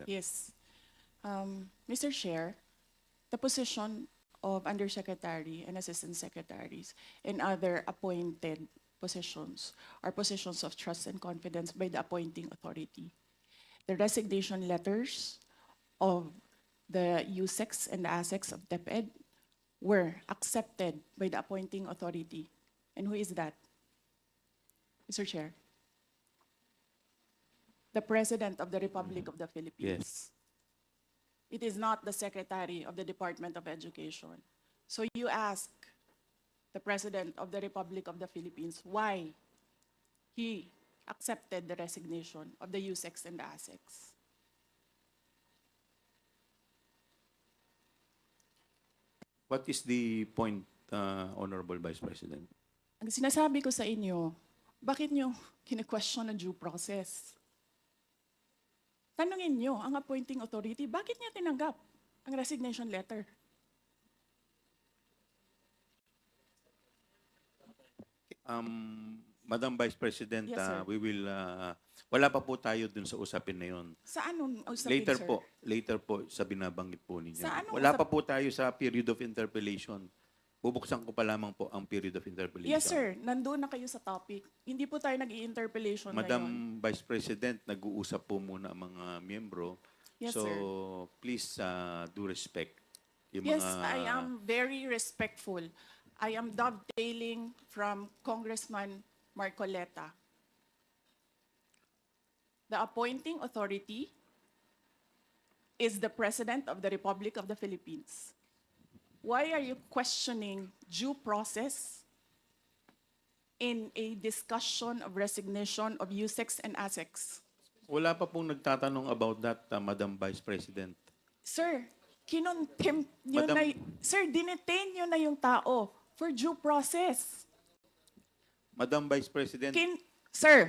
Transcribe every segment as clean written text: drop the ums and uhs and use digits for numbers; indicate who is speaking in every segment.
Speaker 1: Yes. Mr. Chair, the position of Undersecretary and Assistant Secretaries and other appointed positions are positions of trust and confidence by the appointing authority. The resignation letters of the USEX and the ASEX of DepEd were accepted by the appointing authority. And who is that? Mr. Chair? The President of the Republic of the Philippines. It is not the Secretary of the Department of Education. So you ask the President of the Republic of the Philippines why he accepted the resignation of the USEX and the ASEX.
Speaker 2: What is the point, Honorable Vice President?
Speaker 1: Ang sinasabi ko sa inyo, bakit nyo kine-question ang due process? Tanungin nyo ang appointing authority, bakit niya tinanggap ang resignation letter?
Speaker 2: Madam Vice President,
Speaker 1: Yes, sir.
Speaker 2: we will, wala pa po tayo dun sa usapin na yun.
Speaker 1: Sa anong usapin,
Speaker 2: Later
Speaker 1: sir?
Speaker 2: later po sa binabanggit po ninyo.
Speaker 1: Sa anong
Speaker 2: Wala pa po tayo sa period of interpellation. Bubuksan ko pa lamang po ang period of interpellation.
Speaker 1: Yes, sir. Nandun na kayo sa topic. Hindi po tayo nag-i-interpellation
Speaker 2: Madam
Speaker 1: ngayon.
Speaker 2: Vice President, nag-uusap po muna ang mga miyembro.
Speaker 1: Yes,
Speaker 2: so,
Speaker 1: sir.
Speaker 2: please do respect. Yung
Speaker 1: Yes,
Speaker 2: mga,
Speaker 1: I am very respectful. I am dovetailing from Congressman Marcoleta. The appointing authority is the President of the Republic of the Philippines. Why are you questioning due process in a discussion of resignation of USEX and ASEX?
Speaker 2: Wala pa pong nagtatanong about that, Madam Vice President.
Speaker 1: Sir, kinontempt nyo
Speaker 2: Madam-
Speaker 1: na, sir, dinetain nyo na yung tao for due process.
Speaker 2: Madam Vice President,
Speaker 1: Sir,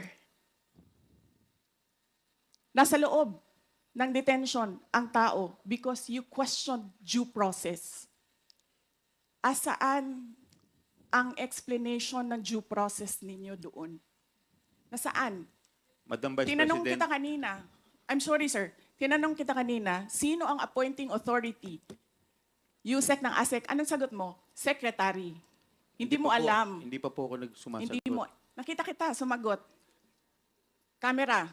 Speaker 1: nasa loob ng detention ang tao because you questioned due process. Asaan ang explanation ng due process ninyo doon? Nasaan?
Speaker 2: Madam Vice
Speaker 1: Tinanong
Speaker 2: President,
Speaker 1: kita kanina. I'm sorry, sir. Tinanong kita kanina, sino ang appointing authority? USEC ng ASEC. Anong sagot mo? Secretary. Hindi mo
Speaker 2: pa po-
Speaker 1: alam.
Speaker 2: Hindi pa po ako nagsumasagot.
Speaker 1: Hindi mo. Nakita kita, sumagot. Camera.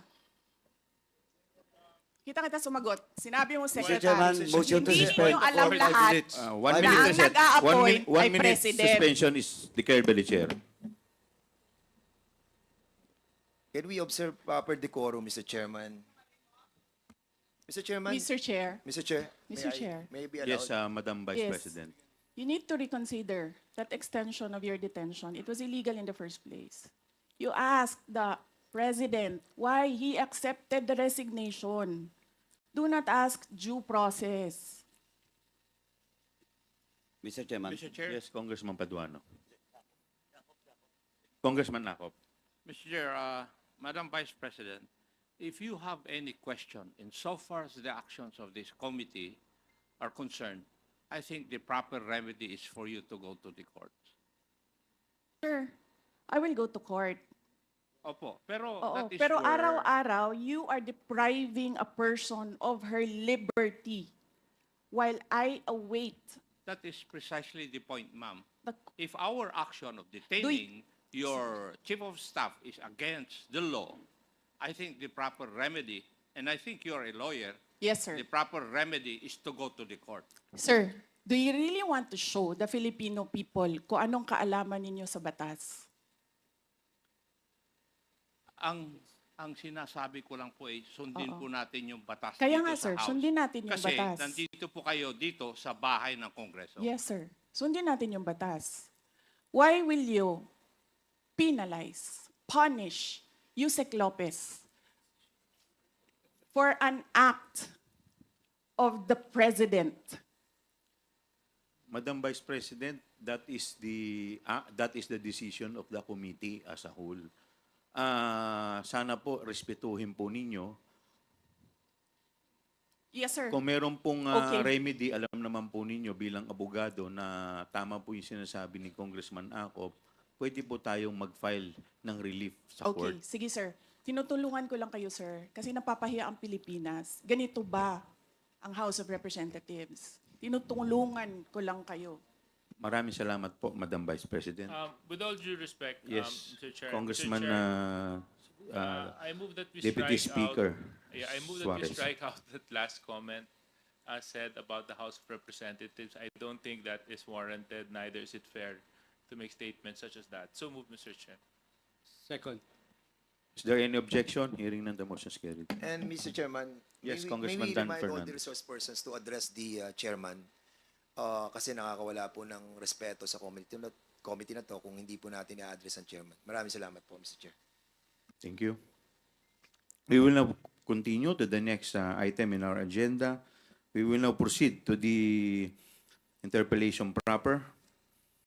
Speaker 1: Kita kita sumagot. Sinabi mo,
Speaker 3: Chairman,
Speaker 1: Secretary.
Speaker 3: motion to
Speaker 1: Hindi
Speaker 3: suspend
Speaker 1: ninyo alam
Speaker 3: for 5
Speaker 1: lahat.
Speaker 3: minutes.
Speaker 2: 1
Speaker 3: Five
Speaker 2: minute,
Speaker 1: ang
Speaker 2: I said.
Speaker 1: nag-a-appoint
Speaker 2: One
Speaker 1: ay
Speaker 2: minute
Speaker 1: President.
Speaker 2: suspension is declared by the chair.
Speaker 3: Can we observe proper decorum, Mr. Chairman? Mr. Chairman?
Speaker 1: Mr. Chair,
Speaker 3: Mr. Chair?
Speaker 1: Mr. Chair.
Speaker 3: May I be allowed?
Speaker 2: Yes, Madam Vice
Speaker 1: Yes.
Speaker 2: President.
Speaker 1: you need to reconsider that extension of your detention. It was illegal in the first place. You asked the President why he accepted the resignation. Do not ask due process.
Speaker 4: Mr. Chairman.
Speaker 5: Mr. Chair,
Speaker 2: Yes, Congressman Paduano. Congressman Nakop.
Speaker 5: Mr. Chair, Madam Vice President, if you have any question insofar as the actions of this committee are concerned, I think the proper remedy is for you to go to the court.
Speaker 1: Sir, I will go to court.
Speaker 5: Opo, pero
Speaker 1: Oo,
Speaker 5: that is
Speaker 1: pero
Speaker 5: your-
Speaker 1: araw-araw, you are depriving a person of her liberty while I await
Speaker 5: that is precisely the point, ma'am.
Speaker 1: the...
Speaker 5: If our action of detaining your chief of staff is against the law, I think the proper remedy, and I think you're a lawyer,
Speaker 1: Yes, sir.
Speaker 5: the proper remedy is to go to the court.
Speaker 1: Sir, do you really want to show the Filipino people kung anong kaalaman ninyo sa batas?
Speaker 5: Ang sinasabi ko lang po ay sundin
Speaker 1: Oo.
Speaker 5: po natin yung batas
Speaker 1: Kaya
Speaker 5: dito
Speaker 1: nga,
Speaker 5: sa
Speaker 1: sir,
Speaker 5: House.
Speaker 1: sundin natin yung
Speaker 5: Kasi
Speaker 1: batas.
Speaker 5: nandito po kayo dito sa bahay ng Kongreso.
Speaker 1: Yes, sir. Sundin natin yung batas. Why will you penalize, punish Yusek Lopez for an act of the President?
Speaker 2: Madam Vice President, that is the decision of the committee as a whole. Sana po respetuhin po ninyo.
Speaker 1: Yes, sir.
Speaker 2: Kung meron pong
Speaker 1: Okay.
Speaker 2: remedy, alam naman po ninyo bilang abogado na tama po yung sinasabi ni Congressman Akop, pwede po tayong mag-file ng relief sa
Speaker 1: Okay,
Speaker 2: court.
Speaker 1: sige, sir. Tinutulungan ko lang kayo, sir, kasi napapahiya ang Pilipinas. Ganito ba ang House of Representatives? Tinutulungan ko lang kayo.
Speaker 2: Maraming salamat po, Madam Vice President.
Speaker 4: With all due respect,
Speaker 2: Yes,
Speaker 4: Mr. Chair,
Speaker 2: Congressman
Speaker 4: Mr. Chair, I move that we
Speaker 2: Deputy
Speaker 4: strike
Speaker 2: Speaker
Speaker 4: out. Yeah, I move that we
Speaker 2: Suarez.
Speaker 4: strike out that last comment said about the House of Representatives. I don't think that is warranted. Neither is it fair to make statements such as that. So move, Mr. Chair.
Speaker 6: Second.
Speaker 2: Is there any objection? Hearing none, the motion is carried.
Speaker 3: And Mr. Chairman,
Speaker 2: Yes,
Speaker 3: may
Speaker 2: Congressman
Speaker 3: we
Speaker 2: Dan
Speaker 3: remind all the
Speaker 2: Fernandez.
Speaker 3: resource persons to address the chairman kasi nakakawala po ng respeto sa committee na to kung hindi po natin i-address ang chairman. Maraming salamat po, Mr. Chair.
Speaker 2: Thank you. We will now continue to the next item in our agenda. We will now proceed to the interpellation proper.